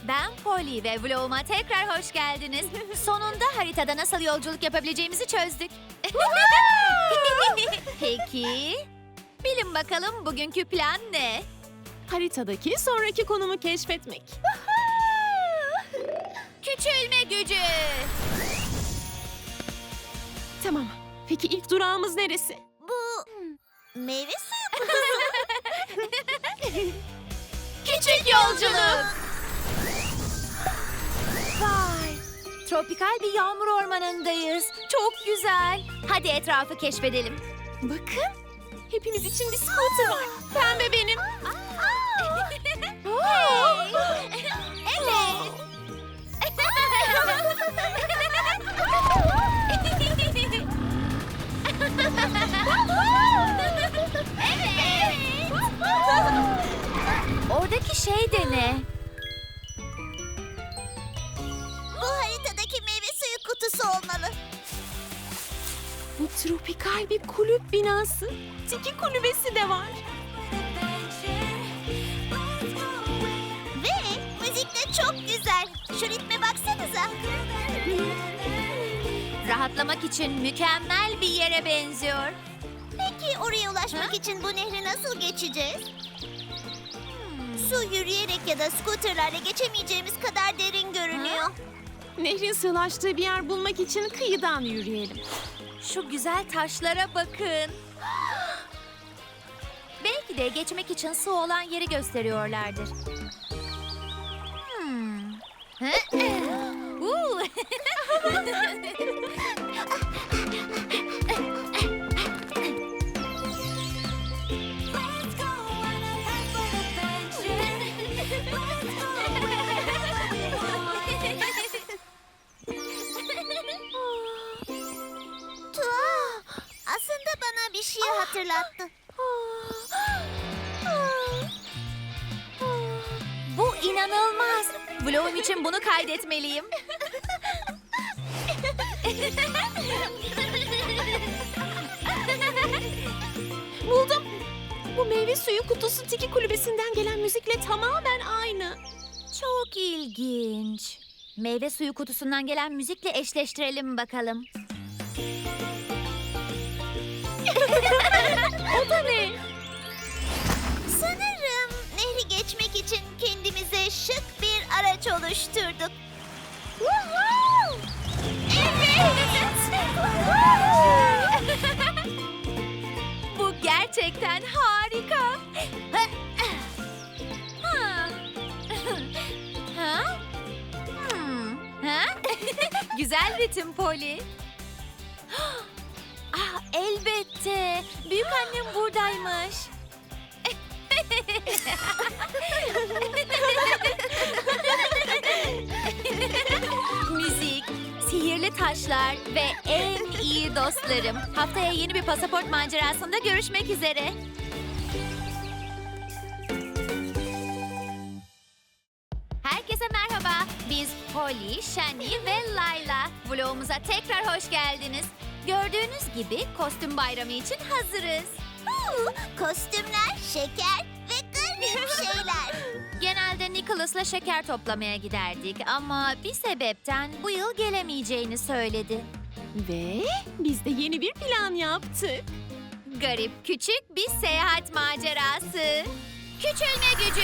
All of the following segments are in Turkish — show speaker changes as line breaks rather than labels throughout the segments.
Ben Polly ve vloguma tekrar hoş geldiniz. Sonunda haritada nasıl yolculuk yapabileceğimizi çözdük. Peki, bilin bakalım bugünkü plan ne?
Haritadaki sonraki konumu keşfetmek.
Küçülme gücü.
Tamam. Peki ilk durağımız neresi?
Bu meyve suyu.
Küçük yolculuk. Vay, tropikal bir yağmur ormanındayız. Çok güzel. Hadi etrafı keşfedelim.
Bakın. Hepimiz için bir scooter var. Pembe benim.
Hey. Evet. Evet. Oradaki şey de ne?
Bu haritadaki meyve suyu kutusu olmalı.
Bu tropikal bir kulüp binası. Tiki kulübesi de var.
Ve müzik de çok güzel. Şu ritme baksanıza.
Rahatlamak için mükemmel bir yere benziyor.
Peki oraya ulaşmak için bu nehri nasıl geçeceğiz? Su yürüyerek ya da scooterlarla geçemeyeceğimiz kadar derin görünüyor.
Nehrin sığlaştığı bir yer bulmak için kıyıdan yürüyelim.
Şu güzel taşlara bakın. Belki de geçmek için su olan yeri gösteriyorlardır. Uuu.
Tuhaf. Aslında bana bir şey hatırlattı.
Bu inanılmaz. Vlogum için bunu kaydetmeliyim.
Buldum. Bu meyve suyu kutusu Tiki kulübesinden gelen müzikle tamamen aynı.
Çok ilginç. Meyve suyu kutusundan gelen müzikle eşleştirelim bakalım.
O da ne?
Sanırım nehri geçmek için kendimize şık bir araç oluşturduk.
Bu gerçekten harika. Ha? Ha? Ha? Güzel ritim Polly. Ah, elbette. Büyük annem buradaymış. Müzik, sihirli taşlar ve en iyi dostlarım. Haftaya yeni bir pasaport macerasında görüşmek üzere. Herkese merhaba. Biz Polly, Shani ve Layla. Vlogumuza tekrar hoş geldiniz. Gördüğünüz gibi kostüm bayramı için hazırız.
Kostümler, şeker ve garip şeyler.
Genelde Nicholas'la şeker toplamaya giderdik ama bir sebepten bu yıl gelemeyeceğini söyledi.
Ve biz de yeni bir plan yaptık.
Garip küçük bir seyahat macerası. Küçülme gücü.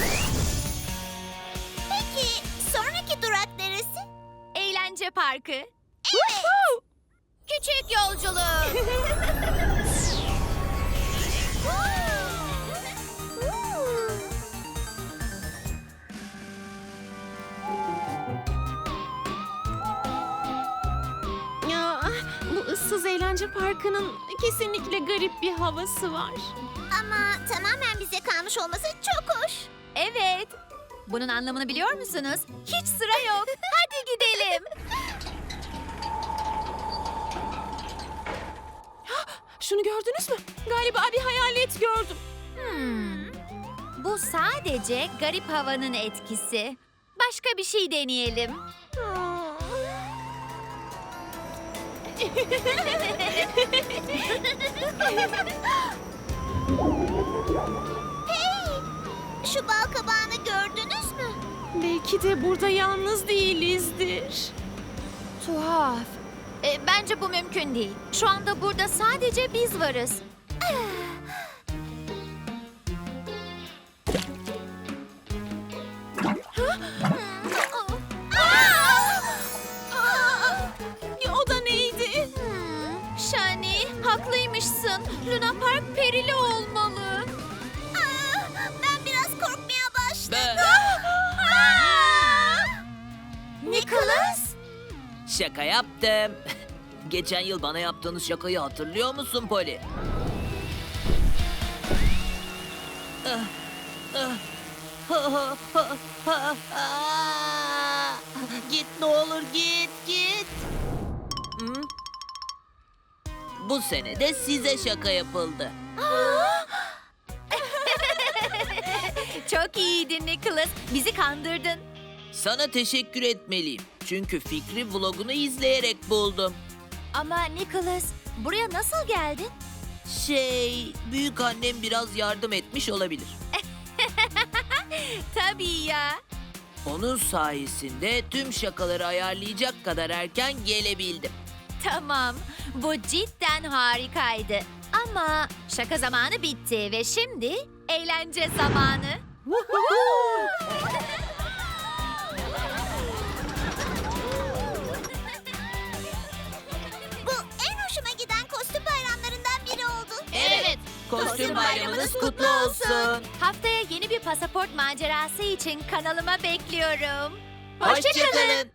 Peki sonraki durak neresi?
Eğlence parkı.
Evet.
Küçük yolculuk.
Ya, bu ıssız eğlence parkının kesinlikle garip bir havası var.
Ama tamamen bize kalmış olması çok hoş.
Evet. Bunun anlamını biliyor musunuz? Hiç sıra yok. Hadi gidelim.
Şunu gördünüz mü? Galiba bir hayalet gördüm.
Bu sadece garip havanın etkisi. Başka bir şey deneyelim.
Şu bal kabağını gördünüz mü?
Belki Belki de burada yalnız değilizdir.
Tuhaf. Bence bu mümkün değil. Şu anda burada sadece biz varız.
O da neydi?
Shani, haklıymışsın. Luna Park perili olmalı.
Ben biraz korkmaya başladım.
Nicholas?
Şaka yaptım. Geçen yıl bana yaptığınız şakayı hatırlıyor musun Polly? Git ne olur git. Hı? Bu sene de size şaka yapıldı.
Çok iyiydin Nicholas. Bizi kandırdın.
Sana teşekkür etmeliyim. Çünkü fikri vlogunu izleyerek buldum.
Ama Nicholas, buraya nasıl geldin?
Büyük annem biraz yardım etmiş olabilir.
Tabii ya.
Onun sayesinde tüm şakaları ayarlayacak kadar erken gelebildim.
Tamam, bu cidden harikaydı. Ama şaka zamanı bitti ve şimdi eğlence zamanı.
Bu en hoşuma giden kostüm bayramlarından biri oldu.
Evet, kostüm bayramınız kutlu olsun.
Haftaya yeni bir pasaport macerası için kanalıma bekliyorum.
Hoşçakalın.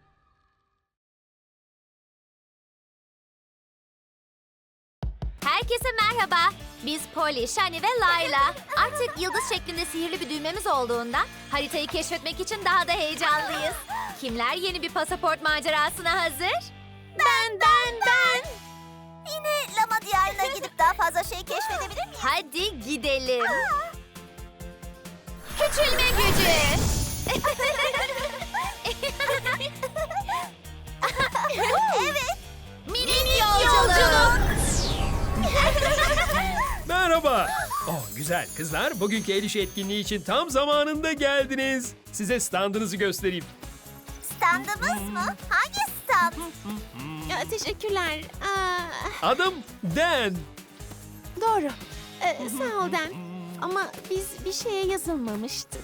Herkese merhaba. Biz Polly, Shani ve Layla. Artık yıldız şeklinde sihirli bir düğmemiz olduğundan haritayı keşfetmek için daha da heyecanlıyız. Kimler yeni bir pasaport macerasına hazır?
Ben. Yine Lama Diyarı'na gidip daha fazla şey keşfedebilir miyim?
Hadi gidelim. Küçülme gücü.
Evet.
Minik yolculuk.
Merhaba. Oh güzel kızlar, bugünkü el işi etkinliği için tam zamanında geldiniz. Size standınızı göstereyim.
Standımız mı? Hangi stand?
Ya, teşekkürler.
Adım Dan.
Doğru. Sağ ol Dan. Ama biz bir şeye yazılmamıştık.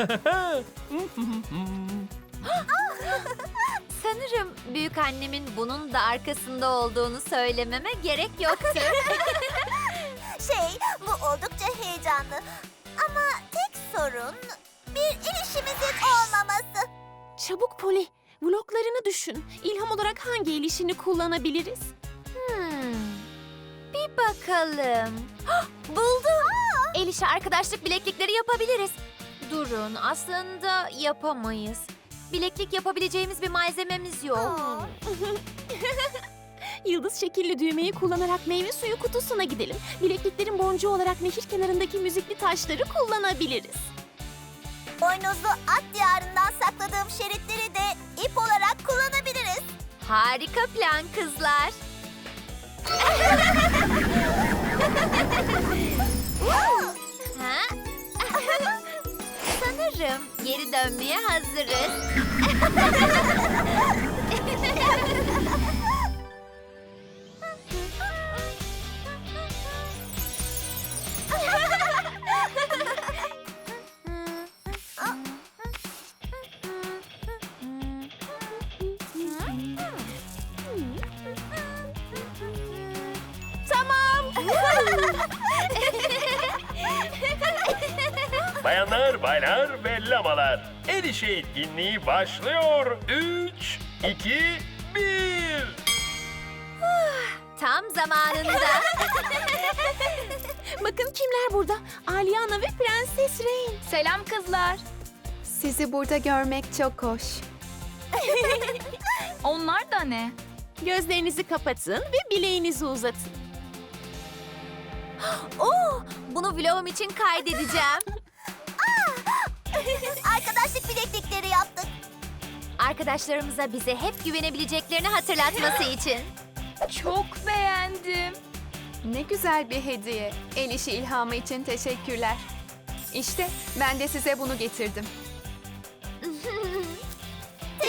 Sanırım büyük annemin bunun da arkasında olduğunu söylememe gerek yoktu.
Bu oldukça heyecanlı. Ama tek sorun bir ilişimizin olmaması.
Çabuk Polly, vloglarını düşün. İlham olarak hangi el işini kullanabiliriz?
Bir bakalım. Hah, buldum. El işi arkadaşlık bileklikleri yapabiliriz. Durun, aslında yapamayız. Bileklik yapabileceğimiz bir malzememiz yok.
Yıldız şekilli düğmeyi kullanarak meyve suyu kutusuna gidelim. Bilekliklerin boncuğu olarak nehir kenarındaki müzikli taşları kullanabiliriz.
Boynuzlu at diyarından sakladığım şeritleri de ip olarak kullanabiliriz.
Harika plan kızlar. Ha? Sanırım geri dönmeye hazırız.
Bayanlar, baylar ve lamalar. El işi etkinliği başlıyor. 3, 2, 1.
Tam zamanında.
Bakın kimler burada? Aliana ve Prenses Rain.
Selam kızlar. Sizi burada görmek çok hoş. Onlar da ne?
Gözlerinizi kapatın ve bileğinizi uzatın.
Bunu vlogum için kaydedeceğim.
Arkadaşlık bileklikleri yaptık.
Arkadaşlarımıza bize hep güvenebileceklerini hatırlatması için.
Çok beğendim. Ne güzel bir hediye. El işi ilhamı için teşekkürler. İşte ben de size bunu getirdim.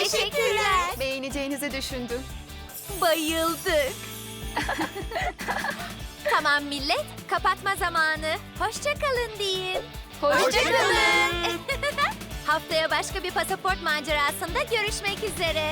Teşekkürler.
Beğeneceğinizi düşündüm.
Bayıldık. Tamam millet, kapatma zamanı. Hoşça kalın diyeyim.
Hoşça
kalın. Haftaya başka bir pasaport macerasında görüşmek üzere.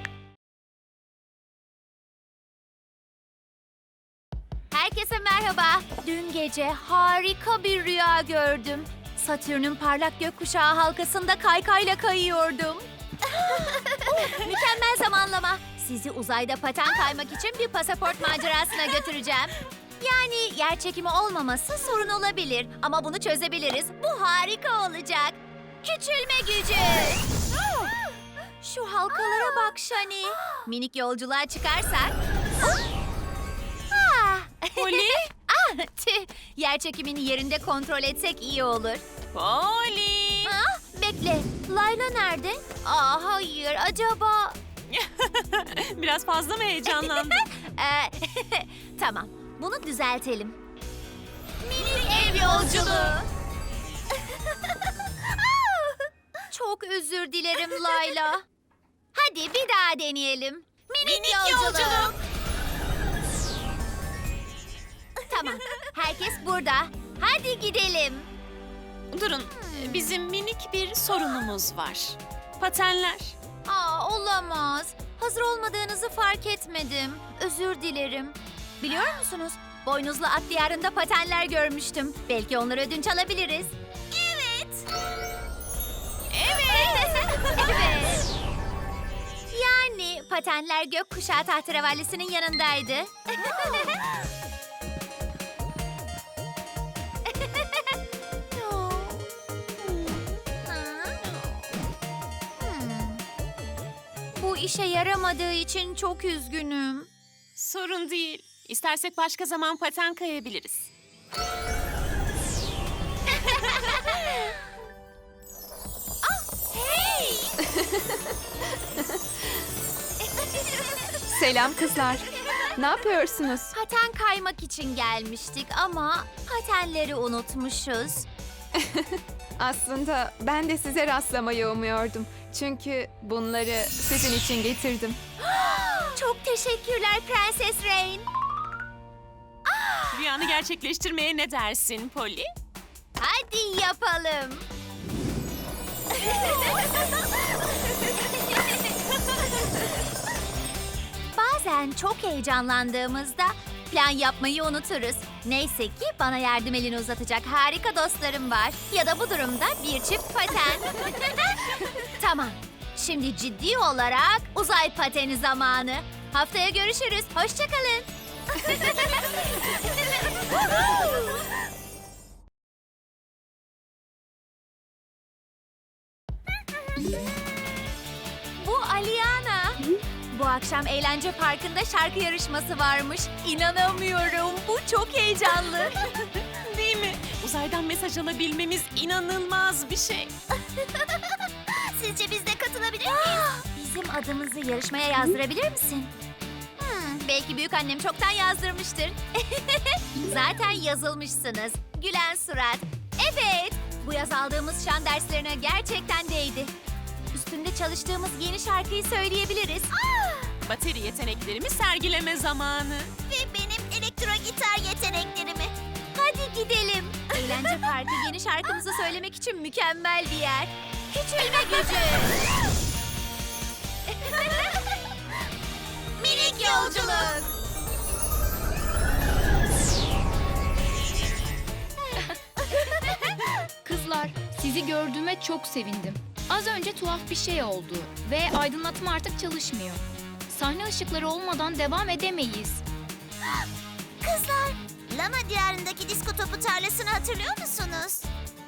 Herkese merhaba. Dün gece harika bir rüya gördüm. Satürn'ün parlak gökkuşağı halkasında kaykayla kayıyordum. Mükemmel zamanlama. Sizi uzayda paten kaymak için bir pasaport macerasına götüreceğim. Yani yer çekimi olmaması sorun olabilir ama bunu çözebiliriz. Bu harika olacak. Küçülme gücü. Şu halkalara bak Shani. Minik yolculuğa çıkarsak.
Polly?
Tüh, yer çekimini yerinde kontrol etsek iyi olur.
Polly!
Bekle, Layla nerede? Hayır, acaba...
Biraz fazla mı heyecanlandın?
Tamam, bunu düzeltelim. Minik ev yolculuğu. Çok özür dilerim Layla. Hadi bir daha deneyelim. Minik yolculuk. Tamam, herkes burada. Hadi gidelim.
Durun, bizim minik bir sorunumuz var. Patenler.
Olamaz. Hazır olmadığınızı fark etmedim. Özür dilerim. Biliyor musunuz? Boynuzlu at diyarında patenler görmüştüm. Belki onları ödünç alabiliriz. Evet. Evet. Yani patenler gökkuşağı tahterevallisinin yanındaydı. Bu işe yaramadığı için çok üzgünüm.
Sorun değil. İstersek başka zaman paten kayabiliriz.
Selam kızlar. Ne yapıyorsunuz?
Paten kaymak için gelmiştik ama patenleri unutmuşuz.
Aslında ben de size rastlamayı umuyordum. Çünkü bunları sizin için getirdim.
Çok teşekkürler Prenses Rain.
Rüyanı gerçekleştirmeye ne dersin Polly?
Hadi yapalım. Bazen çok heyecanlandığımızda plan yapmayı unuturuz. Neyse ki bana yardım elini uzatacak harika dostlarım var. Ya da bu durumda bir çift paten. Tamam. Şimdi ciddi olarak uzay pateni zamanı. Haftaya görüşürüz. Hoşça kalın. Bu Aliana. Bu akşam eğlence parkında şarkı yarışması varmış. İnanamıyorum. Bu çok heyecanlı.
Değil mi? Uzaydan mesaj alabilmemiz inanılmaz bir şey.
Sizce biz de katılabilir miyiz?
Bizim adımızı yarışmaya yazdırabilir misin? Belki büyükannem çoktan yazdırmıştır. Zaten yazılmışsınız. Gülen surat. Evet. Bu yaz aldığımız şan derslerine gerçekten değdi. Üstünde çalıştığımız yeni şarkıyı söyleyebiliriz.
Bateri yeteneklerimi sergileme zamanı.
Ve benim elektro gitar yeteneklerimi.
Hadi gidelim. Eğlence Parkı yeni şarkımızı söylemek için mükemmel bir yer. Küçülme gücü. Minik yolculuk.
Kızlar, sizi gördüğüme çok sevindim. Az önce tuhaf bir şey oldu ve aydınlatma artık çalışmıyor. Sahne ışıkları olmadan devam edemeyiz.
Kızlar, Lama diyarındaki disko topu tarlasını hatırlıyor musunuz?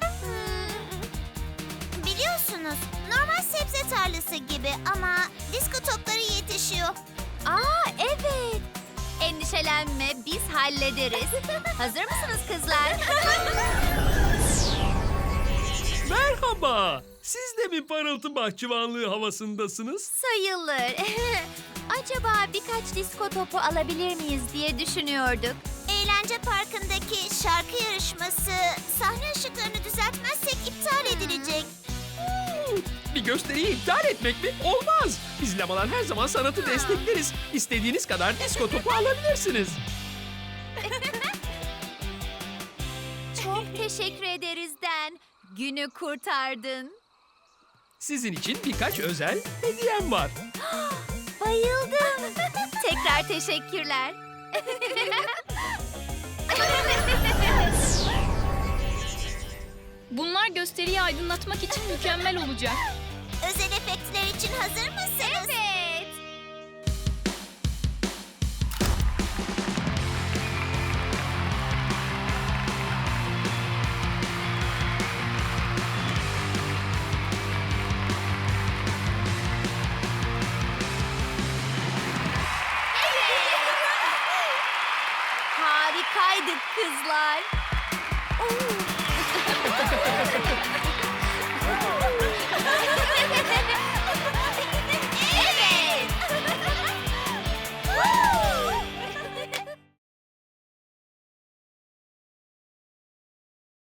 Biliyorsunuz, normal sebze tarlası gibi ama disko topları yetişiyor.
Evet. Endişelenme, biz hallederiz. Hazır mısınız kızlar?
Merhaba. Siz de mi parıltı bahçıvanlığı havasındasınız?
Sayılır. Acaba birkaç disko topu alabilir miyiz diye düşünüyorduk.
Eğlence parkındaki şarkı yarışması sahne ışıklarını düzeltmezsek iptal edilecek.
Bir gösteriyi iptal etmek mi? Olmaz. Biz lamalar her zaman sanatı destekleriz. İstediğiniz kadar disko topu alabilirsiniz.
Çok teşekkür ederiz Dan. Günü kurtardın.
Sizin için birkaç özel hediyem var.
Bayıldım. Tekrar teşekkürler.
Bunlar gösteriyi aydınlatmak için mükemmel olacak.
Özel efektler için hazır mısınız?
Evet. Harikaydık kızlar. Oo.